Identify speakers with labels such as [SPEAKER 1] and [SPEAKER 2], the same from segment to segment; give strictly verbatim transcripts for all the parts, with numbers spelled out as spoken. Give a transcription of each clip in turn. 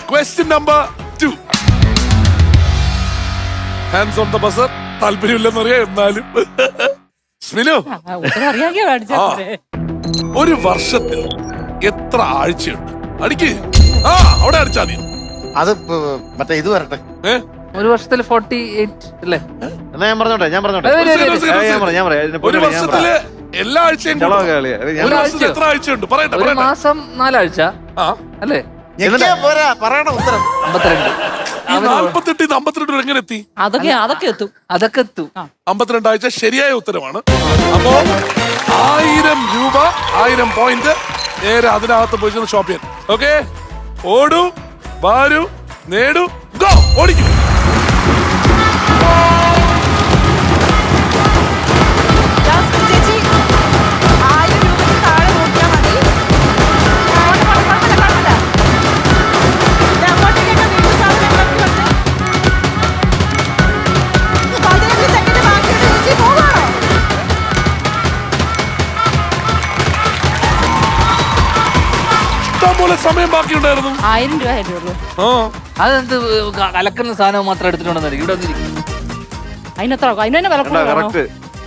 [SPEAKER 1] Question number two. Hands on the buzzer. താല്പര്യമില്ലെന്നറിയാം, എന്നാലും സ്മിനു, ഒരു വർഷത്തിൽ എത്ര ആഴ്ചയുണ്ട്? അടിക്ക്. ആ അവിടെ അടിച്ചാ മതി.
[SPEAKER 2] അത് മറ്റേ ഇത് വരട്ടെ.
[SPEAKER 3] ഒരു വർഷത്തിൽ ഫോർട്ടി എയ്റ്റ് അല്ലേ?
[SPEAKER 2] എന്നാ ഞാൻ പറഞ്ഞോട്ടെ ഞാൻ പറഞ്ഞോട്ടെ
[SPEAKER 1] ഒരു വർഷത്തില് എല്ലാ ആഴ്ചയും ഒരു വർഷത്തിൽ എത്ര ആഴ്ചയുണ്ട് പറയട്ടെ.
[SPEAKER 3] ഒരു മാസം നാലാഴ്ച അല്ലേ?
[SPEAKER 2] പോരാ, പറയണ ഉത്തരം.
[SPEAKER 3] അമ്പത്തിരണ്ട്.
[SPEAKER 1] നാല്പത്തെട്ട് അമ്പത്തിരണ്ട് എങ്ങനെ എത്തി?
[SPEAKER 4] അതൊക്കെ അതൊക്കെ എത്തും
[SPEAKER 3] അതൊക്കെ എത്തും.
[SPEAKER 1] അമ്പത്തിരണ്ട് ആഴ്ച ശരിയായ ഉത്തരമാണ്. അപ്പോ ആയിരം രൂപ, ആയിരം പോയിന്റ് നേരെ അതിനകത്ത് പോയി ഷോപ്പ് ചെയ്യാൻ. ഓക്കെ, ഓടൂ, വാരൂ, നേടൂ, ഗോ, ഓടിക്കും. പോലെ സമയം ബാക്കിയുണ്ടായിരുന്നു.
[SPEAKER 4] ആയിരം രൂപ ആയിട്ടുള്ളൂ.
[SPEAKER 3] അതെന്ത് കലക്കുന്ന സാധനം മാത്രം എടുത്തിട്ടുണ്ടെന്ന് ഇവിടെ
[SPEAKER 4] അതിനെത്ര അതിന് തന്നെ വില കൂടുതലാണോ?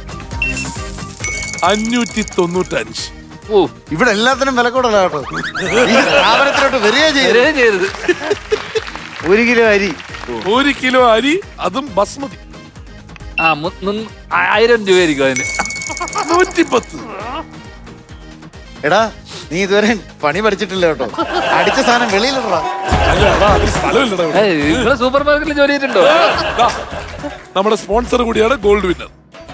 [SPEAKER 1] അഞ്ഞൂറ്റി തൊണ്ണൂറ്റഞ്ച്.
[SPEAKER 3] ഓ,
[SPEAKER 2] ഇവിടെ എല്ലാത്തിനും വില കൂടുതലാ കേട്ടോ. ഈ സ്ഥാപനത്തിലോട്ട് വരികയും ചെയ്യരുത്. ഒരു കിലോ അരി
[SPEAKER 1] ഒരു കിലോ അരി, അതും ബസ്മതി.
[SPEAKER 3] ആ ആയിരം രൂപയായിരിക്കും അതിന്.
[SPEAKER 1] നൂറ്റിപ്പത്ത്.
[SPEAKER 2] എടാ, നീ ഇതുവരെ പണി പഠിച്ചിട്ടില്ല കേട്ടോ. അടിച്ച സാധനം വെളിയിലിടാ.
[SPEAKER 3] ഇവിടെ സൂപ്പർ മാർക്കറ്റിൽ ജോലി ചെയ്തിട്ടുണ്ടോ?
[SPEAKER 1] നമ്മുടെ സ്പോൺസർ കൂടിയാണ് ഗോൾഡ് വിന്നർ.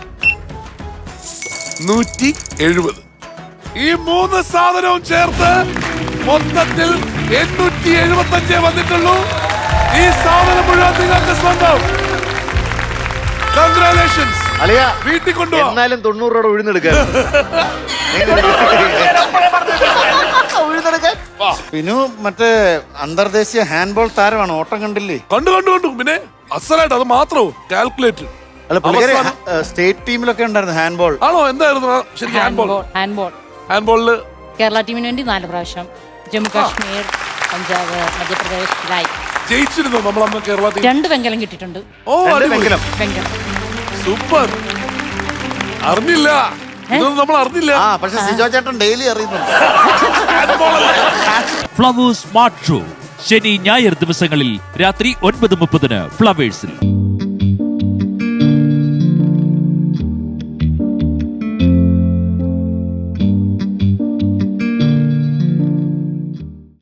[SPEAKER 1] നൂറ്റി എഴുപത്. ഈ മൂന്ന് സാധനവും ചേർത്ത് മൊത്തത്തിൽ എണ്ണൂറ്റി എഴുപത്തി അഞ്ചേ വന്നിട്ടുള്ളൂ. ഈ സാധനം മുഴുവൻ നിങ്ങൾക്ക് സ്വന്തം. കൺഗ്രാലേഷൻസ്.
[SPEAKER 2] അളിയ
[SPEAKER 1] വീട്ടിൽ കൊണ്ടുപോകാം.
[SPEAKER 2] എന്നാലും തൊണ്ണൂറ് രൂപ ഉഴുന്നെടുക്കാൻ. പിന്നെ മറ്റേ അന്തർദേശീയ ഹാൻഡ്ബോൾ താരമാണ്. ഓട്ടം കണ്ടില്ലേ?
[SPEAKER 1] കണ്ടു കണ്ടു കണ്ടു. പിന്നെ അസലായിട്ട് അത് മാത്രമോ കാൽക്കുലേറ്റ്.
[SPEAKER 2] അല്ല, സ്റ്റേറ്റ് ടീമിലൊക്കെ ഉണ്ടായിരുന്നു ഹാൻഡ്ബോൾ.
[SPEAKER 1] ആണോ? എന്തായിരുന്നു ശരിക്കും ഹാൻഡ്ബോൾ?
[SPEAKER 4] ഹാൻഡ്ബോൾ
[SPEAKER 1] ഹാൻഡ്ബോളില്
[SPEAKER 4] കേരള ടീമിന് വേണ്ടി നാല് പ്രാവശ്യം, ജമ്മു കാശ്മീർ, പഞ്ചാബ്, മധ്യപ്രദേശ് ലായി
[SPEAKER 1] ജയിച്ചിരുന്നു നമ്മൾ അന്ന് കേരള ടീം.
[SPEAKER 4] രണ്ട് വെങ്കലം കിട്ടിയിട്ടുണ്ട്.
[SPEAKER 1] ഓ, വെങ്കലം.
[SPEAKER 4] സൂപ്പർ.
[SPEAKER 1] അറിഞ്ഞില്ല, ഇതൊന്നും നമ്മൾ അറിഞ്ഞില്ല.
[SPEAKER 2] ആ, പക്ഷെ സിജോ ചേട്ടൻ ഡെയിലി അറിയുന്നുണ്ട്.
[SPEAKER 5] ഫ്ലവേഴ്സ് സ്മാർട്ട് ഷോ ശനി ഞായർ ദിവസങ്ങളിൽ രാത്രി ഒൻപത് മുപ്പതിന് ഫ്ലവേഴ്സിൽ.